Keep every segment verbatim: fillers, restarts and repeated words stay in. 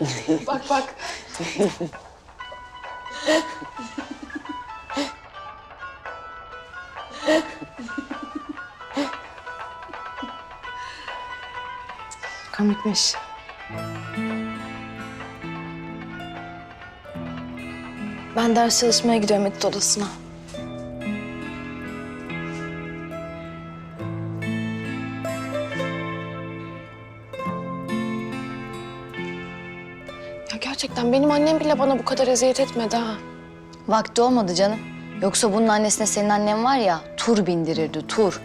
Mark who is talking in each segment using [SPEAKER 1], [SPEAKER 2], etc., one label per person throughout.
[SPEAKER 1] Bak bak. Komikmiş. Ben ders çalışmaya gidiyorum etüt odasına. Ya gerçekten benim annem bile bana bu kadar eziyet etmedi ha.
[SPEAKER 2] Vakti olmadı canım. Yoksa bunun annesine senin annen var ya tur bindirirdi tur.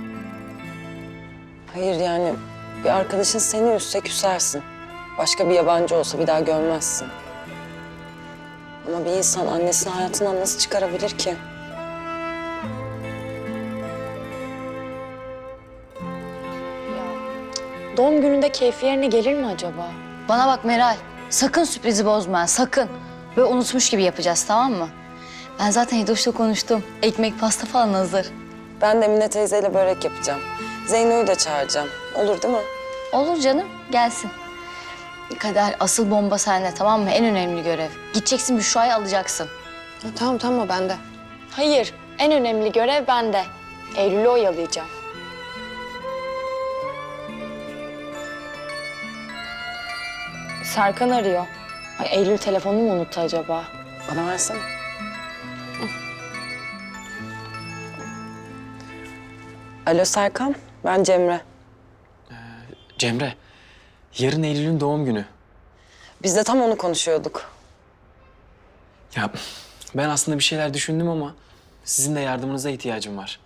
[SPEAKER 3] Hayır yani bir arkadaşın seni üzse küsersin. Başka bir yabancı olsa bir daha görmezsin. Ama bir insan annesini hayatından nasıl çıkarabilir ki?
[SPEAKER 2] Doğum gününde keyfi yerine gelir mi acaba? Bana bak Meral, sakın sürprizi bozma, sakın. Böyle unutmuş gibi yapacağız, tamam mı? Ben zaten Hidoş'la konuştum. Ekmek, pasta falan hazır.
[SPEAKER 3] Ben de Emine teyzeyle börek yapacağım. Zeyno'yu da çağıracağım. Olur değil mi?
[SPEAKER 2] Olur canım, gelsin. Kader, asıl bomba sende, tamam mı? En önemli görev. Gideceksin, Büşra'yı alacaksın.
[SPEAKER 1] Ha, tamam tamam o bende.
[SPEAKER 2] Hayır, en önemli görev bende. Eylül'ü oyalayacağım. Serkan arıyor. Ay, Eylül telefonunu mu unuttu acaba?
[SPEAKER 3] Bana versene. Alo Serkan, ben Cemre.
[SPEAKER 4] Cemre, yarın Eylül'ün doğum günü.
[SPEAKER 3] Biz de tam onu konuşuyorduk.
[SPEAKER 4] Ya ben aslında bir şeyler düşündüm ama sizin de yardımınıza ihtiyacım var.